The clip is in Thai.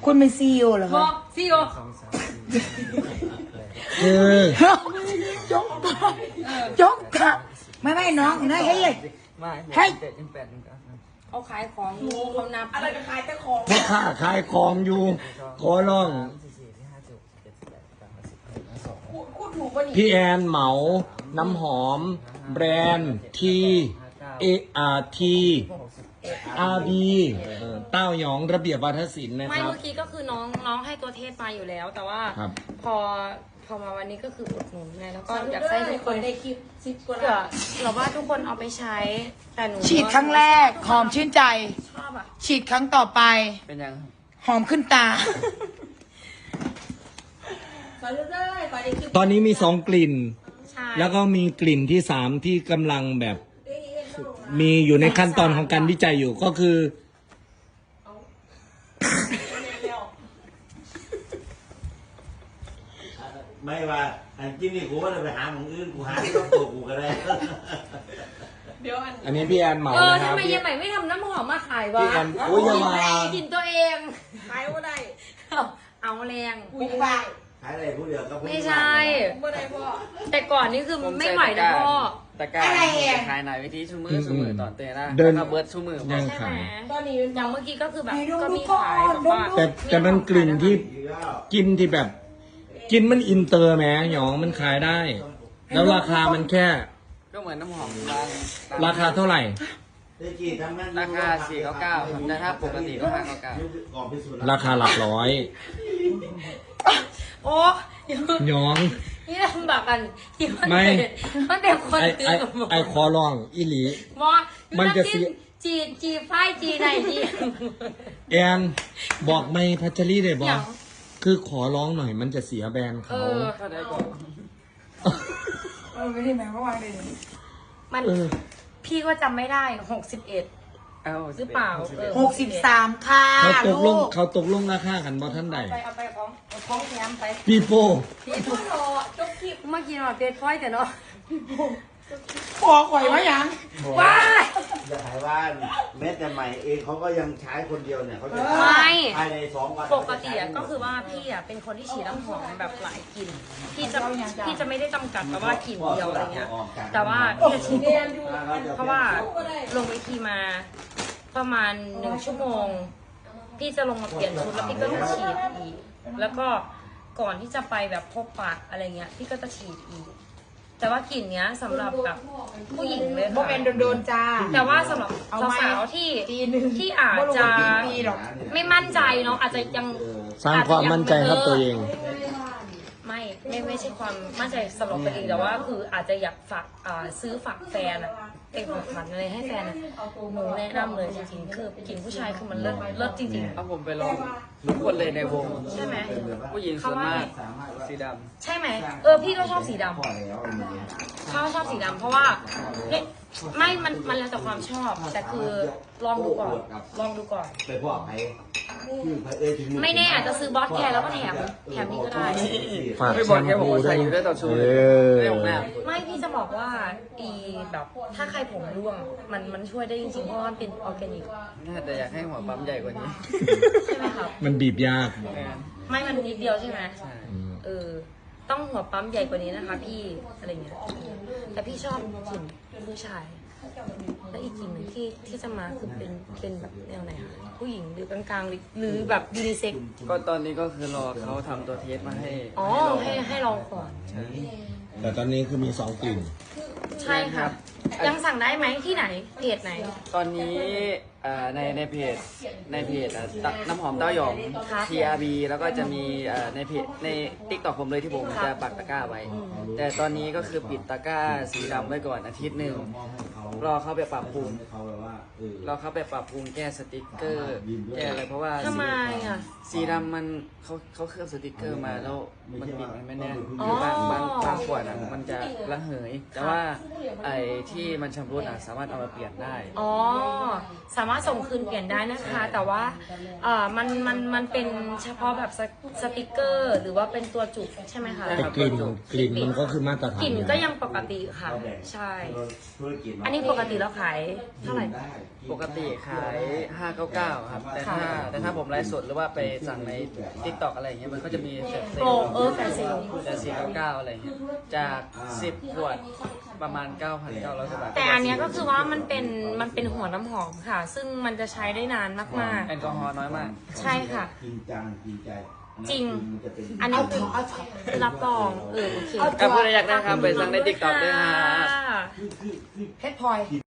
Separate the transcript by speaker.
Speaker 1: คุณเป็นซีอีโอเหรอ
Speaker 2: บ
Speaker 1: คะ
Speaker 2: อกซีโอ
Speaker 3: คือ
Speaker 1: จงตายจงตายไม่น้องนะเฮ้ย ให้
Speaker 2: เขาขายของอยู่เขานับอะไรจะขายแต่ของ
Speaker 3: พ่อค้าขายของอยู่ขอร้อง
Speaker 2: พูดถูกป่ะนี่
Speaker 3: พี่แอนเหมาน้ำหอม แบรนด์ทีเออาร์ทีอาร์บีเต้าหยองระเบียบวาทศิลป์นะ
Speaker 2: ไม่
Speaker 3: ครับ
Speaker 2: เมื่อกี้ก็คือน้องให้ตัวเทศมาอยู่แล้ว แต่ว่า
Speaker 3: ครับ
Speaker 2: พอมาวันนี้ก็คืออุดหนุนไงแล้วก็อยากให้ทุกคน
Speaker 4: ได้คลิปซิปกว่า
Speaker 2: เผื่อเราว่าทุกคนเอาไปใช้ แต่หนู
Speaker 1: ฉีดครั้งแรกหอมชื่นใจ
Speaker 2: ชอบอ่ะ
Speaker 1: ฉีดครั้งต่อไป
Speaker 5: เป็นยัง
Speaker 1: หอมขึ้นตา
Speaker 4: ขอได้ขอได้คลิป
Speaker 3: ตอนนี้มี2 กลิ่น
Speaker 2: ใช่
Speaker 3: แล้วก็มีกลิ่นที่ 3 ที่กำลังแบบ มีอยู่ในขั้นตอนของการวิจัยอยู่ก็คือ
Speaker 6: ไม่ว่าอันกินนี่กูว่าจะไปหาหมองอื่นกูหาที่ต้องตัวกูก็ได้
Speaker 4: เดี๋ยวอัน
Speaker 3: อันนี้พี่แอนเหมานะค
Speaker 2: ทำ
Speaker 3: รับ
Speaker 2: ไมยังใหม่ไม่ทำน้ำหอมมาขายวะ
Speaker 3: พี่แอนโอ้ยอย่ามา
Speaker 2: กินตัวเอง
Speaker 4: ขายว่าได้
Speaker 2: เอาแรง
Speaker 4: กูไม่ได้
Speaker 6: หาอะไรผู้เดียวก็
Speaker 2: ไม่ใช่
Speaker 4: ไม่ได้พ่อ
Speaker 2: แต่ก่อนนี่คือไม่ไหวนะพ่อ
Speaker 5: ตะกร้า
Speaker 1: อะไรอ่ะ
Speaker 5: ขายหนายวิธีชูมือชูมือตอนเตะนะ
Speaker 3: เดิน
Speaker 5: แล้วก็เบิร์ดชูมือ
Speaker 3: ยัง
Speaker 2: ใช่ไหม
Speaker 3: ขาย
Speaker 4: ตอนนี้
Speaker 2: อย่างเมื่อกี้ก็คือแบบ
Speaker 1: ให้ดู
Speaker 2: ก็มี
Speaker 1: ก่อน
Speaker 2: ขายแบบว่า
Speaker 3: แต่มันกลิ่นที่กินที่แบบ กินมันอินเตอร์แหมหยองมันขายได้ แล้วราคามันแค่
Speaker 5: ก็เหมือนน้ำหอม
Speaker 3: ราคาเท่าไหร่
Speaker 6: ได้กี่ทำงาน
Speaker 5: ราคา499ครับแต่ถ้าปกติก็599
Speaker 6: ก่อนพิสูจน์
Speaker 3: ราคาหลักร้อย
Speaker 2: โอ้เดี๋ยว
Speaker 3: หยอง
Speaker 2: นี่ลำบากกันที่มัน
Speaker 3: ไม่
Speaker 2: มันเป็นคน
Speaker 3: ไอ
Speaker 2: ตื่
Speaker 3: ไอน
Speaker 2: กับหมด
Speaker 3: ไอคอลองอีหลี
Speaker 2: มอ
Speaker 3: มันจะเสีย
Speaker 2: จีไฟจีไหนจี
Speaker 3: แอนบอกไม่พัชรีได้บ
Speaker 2: อ
Speaker 3: อย่าง คือขอร้องหน่อยมันจะเสียแบรนด์
Speaker 2: เอ
Speaker 3: เขา
Speaker 2: อ
Speaker 5: ก็ได้ก่อน
Speaker 1: ไม่ได้หมายความว่าเลย
Speaker 2: มัน
Speaker 3: เออ
Speaker 2: พี่ก็จำไม่ได้61
Speaker 5: เอา
Speaker 2: หรือเปล่าเออ
Speaker 1: 63 ค่ะ
Speaker 3: เขาตกล
Speaker 1: ลู
Speaker 3: ง
Speaker 1: ก
Speaker 3: เขาตกลงราคากันบ่ท่านใด
Speaker 2: เอาไปของแถมไป
Speaker 3: ปีโป้
Speaker 2: พี่ทุกจบคลิปเมื่อกี้เราเด็ดค่อยแต่เนาะ
Speaker 1: ขอข่อยว่ายัง
Speaker 2: ว้าย
Speaker 6: อย่าขายบ้านแม้แต่ใหม่เองเขาก็ยังใช้คนเดียวเนี่ยเขาจะ
Speaker 2: ไม่
Speaker 6: ภายใน2 วัน
Speaker 2: ปกติอะก็คือว่าพี่อะเป็นคนที่ฉีดน้ำหอมแบบหลายกลิ่นพี่จะไม่ได้จำกัดแบบว่ากลิ่นเดียวอะไรเงี้ย แต่ว่าพี่จะฉีดเพราะว่าลงเวทีมาประมาณ1 ชั่วโมง พี่จะลงมาเปลี่ยนชุดแล้วพี่ก็ต้องฉีดอีก แล้วก็ก่อนที่จะไปแบบพบปะอะไรเงี้ย พี่ก็จะฉีดอีก แต่ว่ากลิ่นเนี้ยสำหรับแบบผู้หญิงเลย
Speaker 1: โม
Speaker 2: ค่ะ
Speaker 1: เมนโดนๆจ้า
Speaker 2: แต่ว่าสำหรับ
Speaker 1: เอาไหม
Speaker 2: สาวๆที่
Speaker 1: ปีหนึ่ง
Speaker 2: ที่อาจจะ
Speaker 1: ปีหรอก
Speaker 2: ไม่มั่นใจเนาะอาจจะยัง
Speaker 3: สร้างความมั่นใจครับตัวเอง
Speaker 2: ไม่ใช่ความมั่นใจสำหรับตัวเองแต่ว่าคืออาจจะอยากฝากซื้อฝากแฟนอะเป็นของขวัญอะไรให้แฟนอะหนูแนะนำเลยจริงๆคือกลิ่นผู้ชายคือมันเลิศจริง
Speaker 5: เอาผมไปลองทุกคนเลยในวง
Speaker 2: ๆ ใช่ไหม
Speaker 5: ผู้หญิงส่วนมากสีด
Speaker 2: ใช่ไหมพี่ก็ชอบสีดำชอบสีดำเพราะว่าเนี่ยไม่มันแล้วแต่ความชอบ แต่คือลองดูก่อน
Speaker 6: ไปพ่อไปชื่อไปเอ้ยถึง
Speaker 2: ไม่แน่อาจจะซื้อบอสแคร์แล้วก็แถมนี้ก็ได้
Speaker 3: ฝาก
Speaker 5: ำไม่
Speaker 3: แช
Speaker 5: บอก
Speaker 3: ม
Speaker 5: แค่บอก
Speaker 3: พู
Speaker 5: ว่า
Speaker 3: ด้ว
Speaker 5: ใส่
Speaker 3: ย
Speaker 5: อยู่ได้ต่อชู
Speaker 3: เอ
Speaker 5: เลย
Speaker 3: อ
Speaker 5: ไม่ของหน้า
Speaker 2: ไม่พี่จะบอกว่าแบบถ้าใครผมร่วงมันช่วยได้จริงๆเพราะว่ามันเป็นออร์แกนิก
Speaker 5: น่าจะอยากให้หัวปั๊มใหญ่กว่านี้
Speaker 2: ใช่ไหมครับ
Speaker 3: มันบีบยาก
Speaker 2: ไม่มันนิดเดียวใช่ไหม
Speaker 5: ใช่
Speaker 2: ต้องหัวปั๊มใหญ่กว่านี้นะคะ พี่อะไรเงี้ยแต่พี่ชอบกลิ่นผู้ชาย แล้วอีกกลิ่นหนึ่งที่จะมาคือเป็นแบบแนวไหนคะผู้หญิงหรือกลางๆหรือแบบยูนิเซ็ก
Speaker 5: ก็ตอนนี้ก็คือรอเขาทำตัวเทสมาให้
Speaker 2: อ๋อ
Speaker 5: ลอง
Speaker 2: ให้ลองก่อน
Speaker 5: ใช่
Speaker 3: แต่ตอนนี้คือมี2 กลิ่น
Speaker 2: ใช่ค่ะ ยังสั่งได้ไหมที่ไหนเพจไหน
Speaker 5: ตอนนี้ในเพจน้ำหอมเต้าหยอง
Speaker 2: ครับ
Speaker 5: TRB แล้วก็จะมีในเพจในติ๊กต็อกผมเลยที่ผม
Speaker 2: ครับ
Speaker 5: จะปักตะกร้าไว้ แต่ตอนนี้ก็คือปิดตะกร้าสีดำไว้ก่อนอาทิตย์หนึ่งรอเขาไปปรับปรุง
Speaker 6: เขาแบบว่าเออ
Speaker 5: รอเขาไปปรับปรุงแก้สติกเกอร์แก้อะไรเพราะว่า
Speaker 2: ทำไมอ่ะ
Speaker 5: สีดำมันเขาเคลือบสติกเกอร์มาแล้วมันปิดมันไม่แน่น
Speaker 2: อ๋อ
Speaker 5: บางขวดอ่ะมันจะระเหย แต่ว่าไอ้ที่มันชำรุดอ่ะสามารถเอามาเปลี่ยนได้
Speaker 2: อ๋อ สามารถส่งคืนเปลี่ยนได้นะคะ แต่ว่ามันเป็นเฉพาะแบบสติกเกอร์ หรือว่าเป็นตัวจุกใช่ไหมคะ
Speaker 3: แต่กลิ่นมันก็คือมาตรฐาน
Speaker 2: กลิ่น
Speaker 3: อยู่
Speaker 2: ก็
Speaker 3: แล้ว
Speaker 2: ยังปกติค่ะ ใช่
Speaker 6: ธุรกิจ
Speaker 2: อันนี้ปกติเราขายเท่าไหร่
Speaker 5: ปกติขาย 599 ครับ แต่ถ้าผมไลฟ์สดหรือว่าไปสั่งใน TikTok อะไรอย่างเงี้ยมันก็จะมีเซล
Speaker 2: โปรแฟนเซล
Speaker 5: แต่499อะไรอย่างเงี้ยจาก10ขวดประมาณ 9,900 กว่าบาท
Speaker 2: แต่อันเนี้ยก็คือว่ามันเป็นหัวน้ำหอมค่ะ ซึ่งมันจะใช้ได้นานมาก
Speaker 5: แอลกอฮอล์น้อยมาก
Speaker 2: ๆ ใช่ค่ะ
Speaker 6: จริงจังจริงใจ
Speaker 2: จริง
Speaker 6: มันจะเป็น
Speaker 2: อันนี้คือรับรองโอเค
Speaker 5: ถ้าพูดอยากได้ครับไปสั่งใน TikTok ด้วยนะ
Speaker 2: ค่ะ
Speaker 1: เพชรพลอย